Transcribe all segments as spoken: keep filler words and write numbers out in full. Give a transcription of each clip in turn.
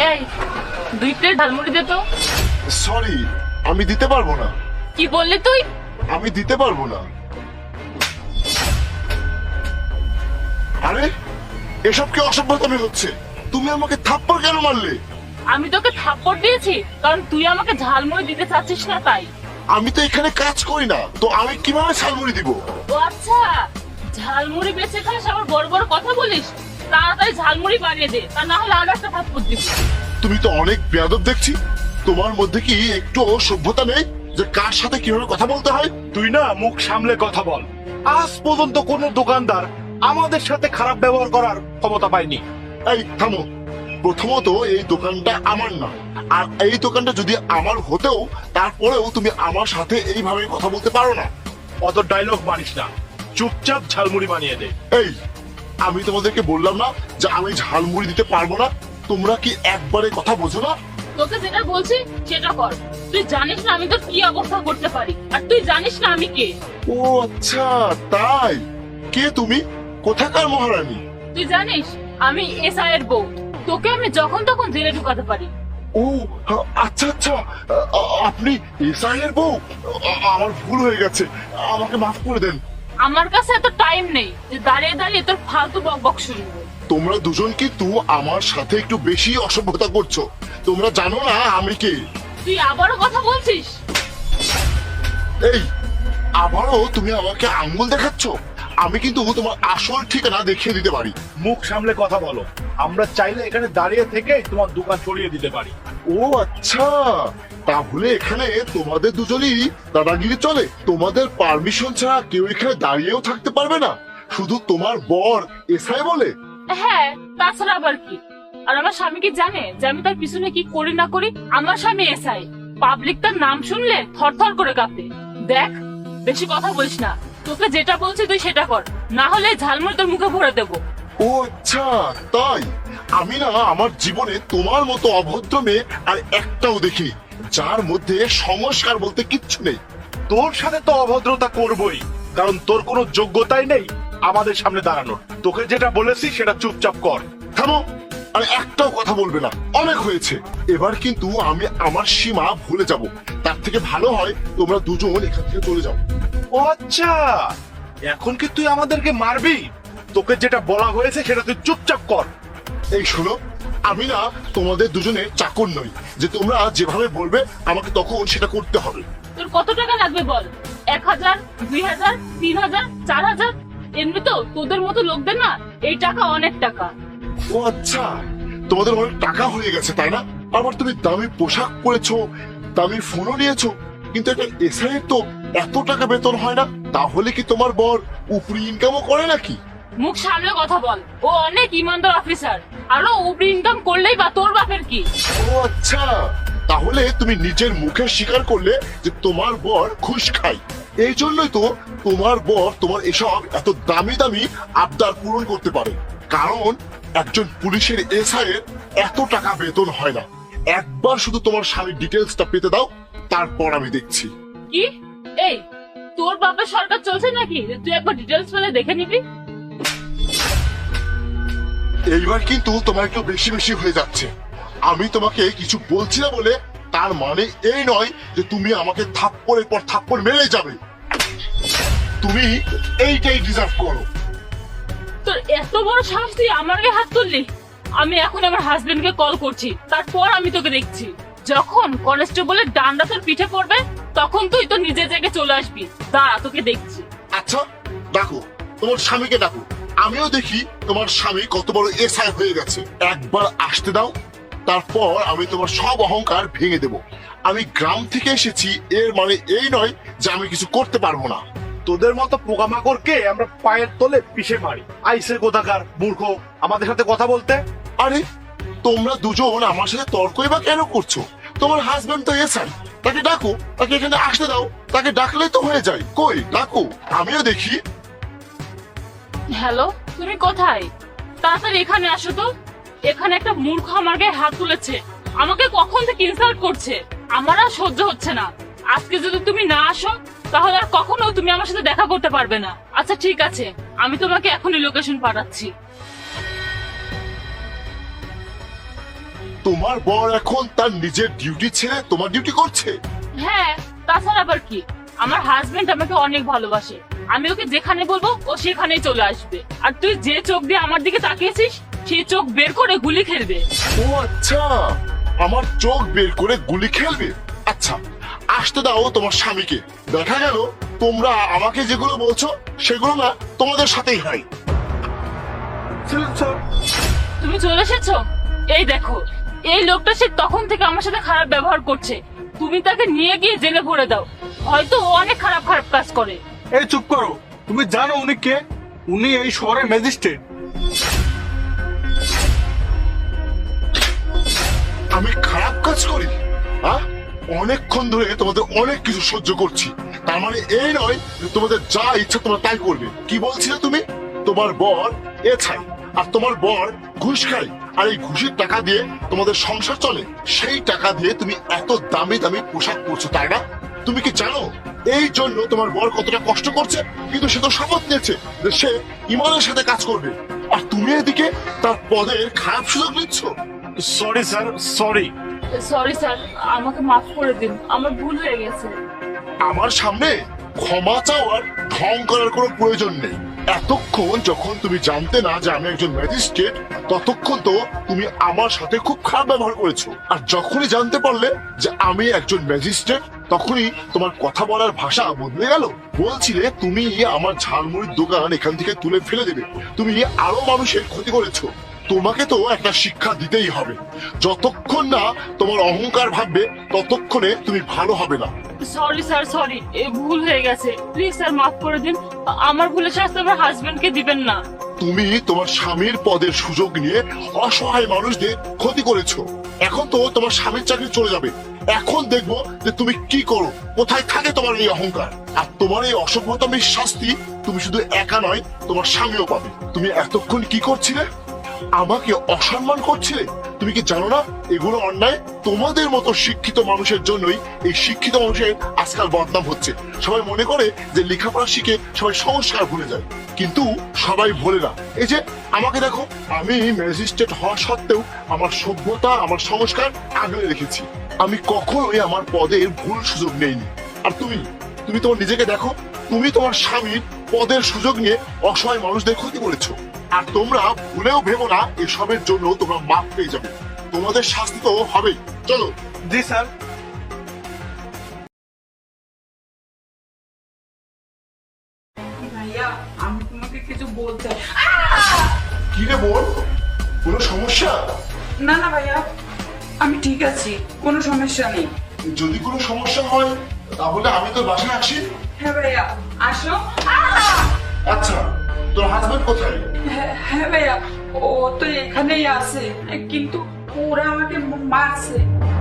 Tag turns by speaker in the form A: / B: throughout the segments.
A: এই দুই প্লেট ঝালমুড়ি দে তো।
B: সরি, আমি দিতে পারবো না।
A: কি বললি তুই?
B: আমি দিতে পারবো না। আরে এসব কি অসভ্যতামি হচ্ছে? তুমি আমাকে থাপ্পড় কেন মারলে?
A: আমি তোকে থাপ্পড় দিয়েছি কারণ তুই আমাকে ঝালমুড়ি দিতে চাচ্ছিস না তাই।
B: আমি তো এখানে কাজ করি না, তো আমি কিভাবে ঝালমুড়ি দিব?
A: ও আচ্ছা, ঝালমুড়ি বেঁচে খাস আবার বড় বড় কথা বলিস। তাড়াতাড়ি ঝালমুড়ি বানিয়ে দে, তা না হলে আর একটা থাপ্পড় দিব।
B: তুমি তো অনেক বেয়াদব দেখছি। তোমার মধ্যে কি একটু সভ্যতা নেই যে কার সাথে কিভাবে কথা বলতে হয়?
C: তুই না মুখ সামলে কথা বল। আজ পর্যন্ত কোনো দোকানদার আমাদের সাথে খারাপ ব্যবহার করার ক্ষমতা পায়নি।
B: এই থামো। প্রথমত এই দোকানটা আমার না, আর এই দোকানটা যদি আমার হতেও তারপরেও তুমি আমার সাথে এইভাবে কথা বলতে পারো না।
C: অত ডায়লগ মারিস না, চুপচাপ ঝালমুড়ি বানিয়ে দে।
B: এই আমি তোমাদেরকে বললাম না যে আমি ঝালমুড়ি দিতে পারবো না? তোমরা কি একবারে কথা বোঝো না?
A: তোকে যেটা বলছি সেটা কর। তুই জানিস না আমি তোর কি অবস্থা করতে পারি, আর তুই জানিস না আমি কে।
B: ও আচ্ছা, তাই? কে তুমি? কোথাকার মহারানী?
A: তুই জানিস আমি এসআই এর বউ। তোকে আমি যখন তখন জেলে ঢুকাতে পারি।
B: ও আচ্ছা আচ্ছা, আ- আপনি এসআই এর বউ? আ- আমার ভুল হয়ে গেছে, আমাকে মাফ করে দেন।
A: আমার কাছে এত টাইম নেই যে দাঁড়িয়ে দাঁড়িয়ে তোর ফালতু বক বক শুনবো।
B: তোমরা দুজন কিন্তু আমার সাথে একটু বেশি অসভ্যতা করছো। তোমরা জানো না আমি কে?
A: তুই আবারও কথা বলছিস?
B: এই আবারও তুমি আমাকে আঙ্গুল দেখাচ্ছ? আমি কিন্তু তোমার আসল ঠিকানা দেখিয়ে দিতে পারি।
C: মুখ সামলে কথা বলো। আমরা চাইলে এখানে দাঁড়িয়ে থেকে তোমার দোকান সরিয়ে দিতে পারি।
B: ও আচ্ছা, তাহলে এখানে তোমাদের দুজনই দাদাগিরি চলে? তোমাদের পারমিশন ছাড়া কেউ এখানে দাঁড়িয়েও থাকতে পারবে না? শুধু তোমার বর এসআই বলে?
A: হ্যাঁ, তাছাড়া আবার কি? আর আমার স্বামী কি জানে যে আমি তার পিছনে কি করি না করি? আমার স্বামী এসআই, পাবলিক তার নাম শুনলে থরথর করে কাঁপে। দেখ, বেশি কথা বলিস না। তোকে যেটা বলছি তুই সেটা কর, না হলে ঝালমুড়ি তোর মুখে ভরে দেবো।
B: ও আচ্ছা, তাই? আমি না আমার জীবনে তোমার মতো অভদ্র মেয়ে আর একটাও দেখি যার মধ্যে সংস্কার বলতে কিচ্ছু নেই।
C: তোর সাথে তো অভদ্রতা করবই, কারণ তোর কোনো যোগ্যতাই নেই আমাদের সামনে দাঁড়ানোর। তোকে যেটা বলেছি সেটা চুপচাপ কর।
B: থামো, আর একটাও কথা বলবে না। অনেক হয়েছে, এবার কিন্তু আমি আমার সীমা ভুলে যাব। তার থেকে ভালো হয় তোমরা দুজন এখান থেকে চলে যাও।
C: ও আচ্ছা, এখন কি তুই আমাদেরকে মারবি? তোকে যেটা বলা হয়েছে সেটা তুই চুপচাপ কর।
B: এই শোনো, আমি না তোমাদের দুজনের চাকর নই যে তোমরা যেভাবে বলবে আমাকে তখন সেটা করতে হবে।
A: তোর কত টাকা লাগবে বল? এক হাজার, দুই হাজার, তিন হাজার, চার হাজার? এমনি তো তোদের মতো লোকদের না এই টাকা অনেক টাকা।
B: ও আচ্ছা, তোমাদের অনেক টাকা হয়ে গেছে তাই না? আবার তুমি দামি পোশাক পরেছো, দামি ফোনও নিয়েছো, কিন্তু একটা এসআই তো এত টাকা বেতন হয় না। তাহলে কি তোমার বর উপরি ইনকামও করে নাকি?
A: মুখ সামলে কথা বল। ও অনেক ইমানদার অফিসার, আরো উপরি ইনকাম করলেই বা তোর বাপের কি?
B: ও আচ্ছা, তাহলে তুমি নিজের মুখে স্বীকার করলে যে তোমার বর ঘুষ খায়। এই জন্যই তো তোমার বর তোমার এসব এত দামি দামি আবদার পূরণ করতে পারে। কারণ একজন পুলিশের এসআই এর এত টাকা বেতন হয় না। একবার শুধু তোমার স্বামীর ডিটেলসটা পেতে দাও, তারপর আমি দেখছি।
A: কি? এই, তোর বাপের সরকার চলছে নাকি যে তুই একবার ডিটেলস পেলে দেখে নিবি?
B: এইবার কিন্তু তোমার একটু বেশি বেশি হয়ে যাচ্ছে। আমি তোমাকে কিছু বলছি না বলে তার মানে এই নয় যে তুমি আমাকে থাপ্পড়ের পর থাপ্পড় মেরে যাবে। তুমি এইটাই ডিজার্ভ করো।
A: তোর এত বড় সাহস তুই আমার গায়ে হাত তুললি? আমি এখন আমার হাজবেন্ডকে কল করছি, তারপর আমি তোকে দেখছি। যখন কনস্টেবলের ডান্ডা তোর পিঠে পড়বে তখন তুই তো নিজের জায়গায় চলে আসবি। দাঁড়া, তোকে দেখছি।
B: আচ্ছা, ডাকো তোমার স্বামীকে ডাকো। আমিও দেখি তোমার স্বামী কত বড় এসআই হয়ে গেছে। একবার আসতে দাও, তারপর আমি তোমার সব অহংকার ভেঙে দেব। আমি গ্রাম থেকে এসেছি এর মানে এই নয় যে আমি কিছু করতে পারবো না।
C: তোদের মতো পোকামাকড়কে আমরা পায়ের তলে পিষে মারি। আইসে কোথাকার মূর্খ আমাদের সাথে কথা বলতে।
B: আরে তোমরা দুজন আমার সাথে তর্কই বা কেন করছো? তোমার হাজবেন্ড তো এসআই, তাকে ডাকো, তাকে এখানে আসতে দাও। তাকে ডাকলেই তো হয়ে যায়। কই ডাকো, আমিও দেখি।
A: হ্যালো, তুমি কোথায়? তাড়াতাড়ি এখানে আসো তো। এখানে একটা মূর্খ আমার গায়ে হাত তুলেছে, আমাকে কখন থেকে ইনসাল্ট করছে। আমার আর সহ্য হচ্ছে না। আজকে যদি তুমি না আসো তাহলে আর কখনো তুমি আমার সাথে দেখা করতে পারবে না। আচ্ছা ঠিক আছে, আমি তোমাকে এখনই লোকেশন পাঠাচ্ছি।
B: তোমার বর এখন তার নিজের ডিউটি ছেড়ে তোমার ডিউটি করছে?
A: হ্যাঁ, তাছাড়া আবার কি, আমার হাজবেন্ড আমাকে অনেক ভালোবাসে। আমি ওকে যেখানে বলবো ও সেখানেই চলে আসবে। আর তুই যে চোখ দিয়ে আমার দিকে তাকিয়েছিস সেই চোখ বের করে গুলি খেলবে।
B: ও আচ্ছা, আমার চোখ বের করে গুলি খেলবে। আচ্ছা, আসতে দাও তোমার স্বামীকে। দেখা গেল তোমরা আমাকে যেগুলো বলছো সেগুলো না তোমাদের সাথেই হয়।
A: তুমি চলে এসেছো? এই দেখো, এই লোকটা সে তখন থেকে আমার সাথে খারাপ ব্যবহার করছে। তুমি তাকে নিয়ে গিয়ে জেলে ভরে দাও, হয়তো ও অনেক খারাপ খারাপ কাজ করে।
C: এই চুপ করো, তুমি জানো উনি কে? উনি এই শহরের ম্যাজিস্ট্রেট।
B: আমি খারাপ কাজ করি? হ্যাঁ, অনেকক্ষণ ধরে তোমাদের অনেক কিছু সহ্য করছি, তার মানে এই নয় যে তোমাদের যা ইচ্ছা তোমরা তাই করবে। কি বলছিলে তুমি? তোমার বর এ ছাই আর তোমার বর ঘুষ খায়, আর এই ঘুষের টাকা দিয়ে তোমাদের সংসার চলে। সেই টাকা দিয়ে তুমি এত দামি দামি পোশাক পরছো, তাই না? তুমি কি জানো এই জন্য তোমার বর কতটা কষ্ট করছে? কিন্তু সে তো শপথ নিয়েছে যে সে ইমানের সাথে কাজ করবে, আর তুমি এদিকে তার পদের খারাপ সুযোগ নিচ্ছ।
C: Sorry sir, sorry.
A: Sorry sir, আমাকে মাফ করে দিন, আমার ভুল হয়ে গেছে।
B: আমার সামনে ক্ষমা চাওয়ার ঢং করার কোনো প্রয়োজন নেই। এতক্ষণ যখন তুমি জানতে না যে আমি একজন ম্যাজিস্ট্রেট, ততক্ষণ তো তুমি আমার সাথে খুব খারাপ ব্যবহার করেছো। আর যখনই জানতে পারলে যে আমি একজন ম্যাজিস্ট্রেট, তখনই তোমার কথা বলার ভাষা বদলে গেল। বলছিলে তুমি আমার ঝালমুড়ির দোকান এখান থেকে তুলে ফেলে দেবে, তুমি আরো মানুষের ক্ষতি করেছো। তোমাকে তো একটা শিক্ষা দিতেই হবে। যতক্ষণ না তোমার অহংকার ভাববে ততক্ষণে তুমি ভালো হবে না।
A: সরি স্যার, সরি, এ ভুল হয়ে গেছে। প্লিজ স্যার, মাফ করে দিন। আমার ভুলের শাস্তি আমার হাজবেন্ডকে দিবেন না।
B: তুমি তোমার স্বামীর পদের সুযোগ নিয়ে অসহায় মানুষদের ক্ষতি করেছো। এখন তো তোমার স্বামীর চাকরি চলে যাবে। এখন দেখবো যে তুমি কি করো, কোথায় থাকে তোমার এই অহংকার। আর তোমার এই অসভ্যতামির শাস্তি তুমি শুধু একা নয়, তোমার স্বামীও পাবে। তুমি এতক্ষণ কি করছিলে? আমাকে অসম্মান করছিলে। তুমি কি জানো না এগুলো অন্যায়? তোমাদের মতো শিক্ষিত মানুষের জন্যই এই শিক্ষিত মানুষের আজকাল বদনাম হচ্ছে। সবাই মনে করে যে লেখাপড়া শিখে সবাই সংস্কার ভুলে যায়, কিন্তু সবাই ভোলে না। এই যে আমাকে দেখো, আমি ম্যাজিস্ট্রেট হওয়া সত্ত্বেও আমার সভ্যতা, আমার সংস্কার আগলে রেখেছি। আমি কখনোই আমার পদের ভুল সুযোগ নেইনি। আর তুমি তুমি তোমার নিজেকে দেখো, তুমি তোমার স্বামীর পদের সুযোগ নিয়ে অসহায় মানুষদের ক্ষতি করেছো। আর তোমরা ভুলেও ভেবো না এসবের জন্য তোমরা মাপ পেয়ে যাবে। তোমাদের শাস্তি তো হবেই। চলো।
C: জি স্যার।
D: ভাইয়া, আমি তোমাকে কিছু বলতে।
B: কি রে বোন, কোনো সমস্যা?
D: না না ভাইয়া, আমি ঠিক আছি, কোনো সমস্যা নেই।
B: যদি কোনো সমস্যা হয় তাহলে আমি তোর বাসায় আসি।
D: হ্যাঁ ভাইয়া, আসো।
B: আচ্ছা, তোর হাজবেন্ড কোথায়?
D: হ্যাঁ হ্যাঁ ভাইয়া, ও তো এখানেই আছে, কিন্তু ওরা আমাকে মারছে।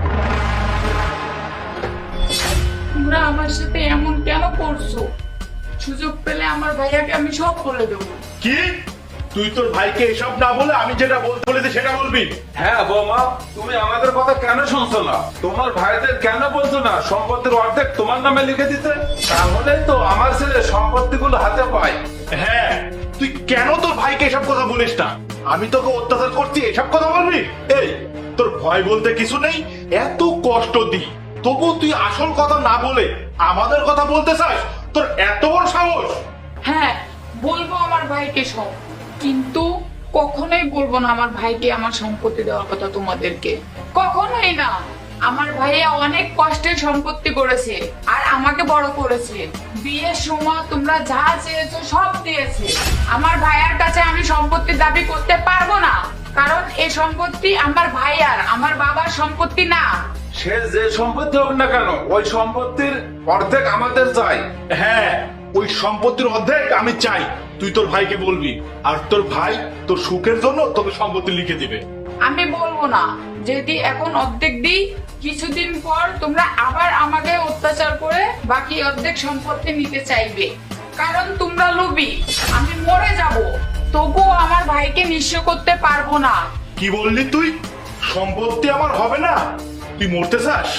D: তোমরা আমার সাথে এমন কেন করছো? সুযোগ পেলে আমার ভাইয়াকে আমি সব বলে দেবো।
C: কি? তুই তোর ভাইকে এসব না বলে আমি যেটা বলতে বলেছি সেটা বলবি?
E: হ্যাঁ বৌমা, তুমি আমাদের কথা কেন শুনছো না? তোমার ভাইদের কেন বলছো না সম্পত্তির অর্ধেক তোমার নামে লিখে দিতে? তাহলে তো আমার ছেলে সম্পত্তিগুলো হাতে পায়।
C: হ্যাঁ, তুই কেন তোর ভাইকে এসব কথা বলিস না? আমি তোকে অত্যাচার করছি, এসব কথা বলবি? এই, তোর ভয় বলতে কিছু নেই? এত কষ্ট দি, তবু তুই আসল কথা না বলে আমাদের কথা বলতে চাস? তোর এত বড় সাহস?
D: হ্যাঁ, বলবো আমার ভাইকে সব, কিন্তু কখনোই বলবো না আমার ভাইকে আমার সম্পত্তি দেওয়ার কথা তোমাদেরকে। কখনোই না। আমার ভাইয়া অনেক কষ্টে সম্পত্তি করেছে আর আমাকে বড় করেছে। বিয়ের সময় তোমরা যা চেয়েছো সব দিয়েছে। আমার ভাইয়ার কাছে আমি সম্পত্তির দাবি করতে পারবো না, কারণ এই সম্পত্তি আমার ভাইয়ার, আমার বাবার সম্পত্তি না।
E: সে যে সম্পত্তি হোক না কেন, ওই সম্পত্তির অর্ধেক আমাদের চাই।
C: হ্যাঁ, ওই সম্পত্তির অর্ধেক আমি চাই। তুই তোর ভাইকে বলবি, আর তোর ভাই তোর সুখের জন্য তোকে সম্পত্তি লিখে দিবে।
D: আমি বলবো না। যদি এখন অর্ধেক দিই, কিছুদিন পর তোমরা আবার আমাকে অত্যাচার করে বাকি অর্ধেক সম্পত্তি নিতে চাইবে, কারণ তোমরা লোভী। আমি মরে যাব, তবুও আমার ভাইকে নিঃস্ব করতে পারবো না।
C: কি বললি তুই? সম্পত্তি আমার হবে না? তুই মরতে চাস?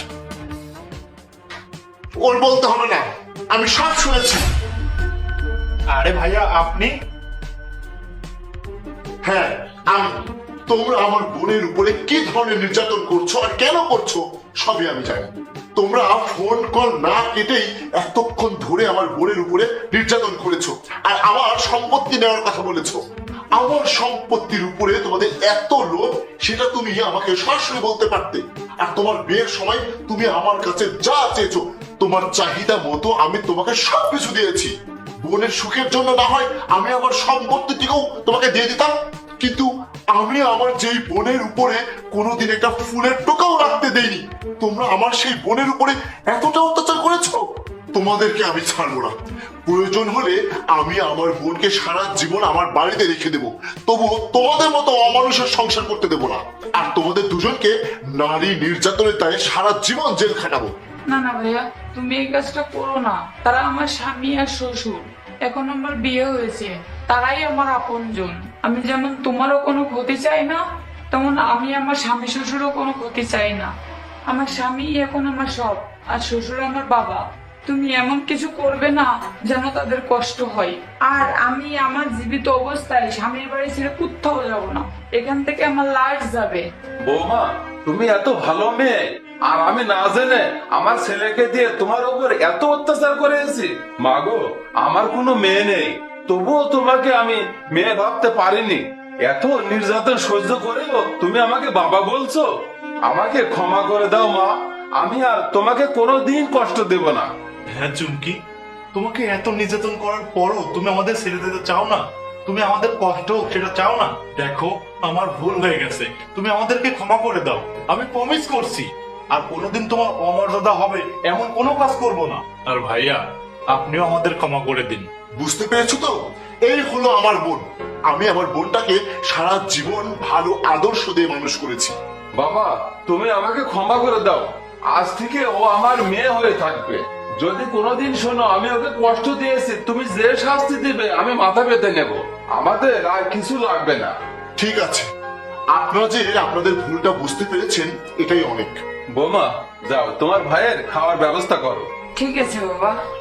B: ওর বলতে হবে না, আমি সব শুনেছি।
C: আরে ভাইয়া, আপনি?
B: হ্যাঁ, আমি তোমরা আমার বোনের উপরে কি ধরনের নির্যাতন করছো আর কেন করছো সবই আমি জানি। তোমরা ফোন কল না কেটেই এতক্ষণ ধরে আমার বোনের উপরে নির্যাতন করেছো আর আমার সম্পত্তি নেওয়ার কথা বলেছো। আমার সম্পত্তির উপরে তোমাদের এত লোভ সেটা তুমি আমাকে সরাসরি বলতে পারতে। আর তোমার বিয়ের সময় তুমি আমার কাছে যা চেয়েছো তোমার চাহিদা মতো আমি তোমাকে সবকিছু দিয়েছি। বোনের সুখের জন্য না হয় আমি আমার সম্পত্তিটিকেও তোমাকে দিয়ে দিতাম, কিন্তু আমি আমার যেই বোনের উপরে কোনোদিন একটা ফুলের টোকাও রাখতে দেইনি, তোমরা আমার সেই বোনের উপরে এতটা অত্যাচার করেছো। তোমাদেরকে আমি ছাড়বো না। প্রয়োজন হলে আমি আমার বোনকে সারা জীবন আমার বাড়িতে রেখে দেবো, তবু তোমাদের মতো অমানুষের সংসার করতে দেবো না। আর তোমাদের দুজনকে নারী নির্যাতনের দায়ে সারা জীবন জেল খাটাবো।
D: না না ভাইয়া, তুমি এই কাজটা করো না। তারা আমার স্বামী আর শ্বশুর, এখন আমার বিয়ে হয়েছে, তারাই আমার আপনজন। আমি যেমন তোমারও কোনো ক্ষতি চাই না, তেমন আমি আমার স্বামী শ্বশুরও কোনো ক্ষতি চাই না। আমার স্বামী এখন আমার সব, আর শ্বশুর আমার বাবা। তুমি এমন কিছু করবে না যেন তাদের কষ্ট হয়। আর আমি আমার জীবিত অবস্থায় স্বামীর বাড়ি ছেড়ে কোথাও যাব না, এখান থেকে আমার লাশ যাবে।
E: বৌমা, তুমি এত ভালো মেয়ে, আর আমি না জেনে আমার ছেলেকে দিয়ে তোমার উপর এত অত্যাচার করেছি। মাগো, আমার কোনো মেয়ে নেই, তবুও তোমাকে আমি মেয়ে ভাবতে পারিনি। এত নির্যাতন সহ্য করেও তুমি আমাকে বাবা বলছো। আমাকে ক্ষমা করে দাও মা, আমি আর তোমাকে কোনোদিন কষ্ট দেব না।
C: হ্যাঁ চুমকি, তোমাকে এত নির্যাতন করার পরও তুমি আমাদের ছেড়ে দিতে চাও না? তুমি আমাদের কষ্ট হোক সেটা চাও না? দেখো, আমার ভুল হয়ে গেছে, তুমি আমাদেরকে ক্ষমা করে দাও। আমি প্রমিস করছি আর কোনোদিন তোমার অমর্যাদা হবে এমন কোনো কাজ করব না। আর ভাইয়া, আপনিও আমাদের ক্ষমা করে দিন।
B: বুঝতে পেরেছো তো? এই হলো আমার বোন। আমি আমার বোনটাকে সারা জীবন ভালো আদর্শ দিয়ে মানুষ করেছি।
E: বাবা, তুমি আমাকে ক্ষমা করে দাও। আজ থেকে ও আমার মেয়ে হয়ে থাকবে। যদি কোনোদিন শোনো আমি ওকে কষ্ট দিয়েছি, তুমি যে শাস্তি দিবে আমি মাথা পেতে নেব। আমাদের আর কিছু লাগবে না।
B: ঠিক আছে, আপনারা যে আপনাদের ভুলটা বুঝতে পেরেছেন এটাই অনেক।
E: বোমা, যাও তোমার ভাইয়ের খাওয়ার ব্যবস্থা করো।
D: ঠিক আছে বাবা।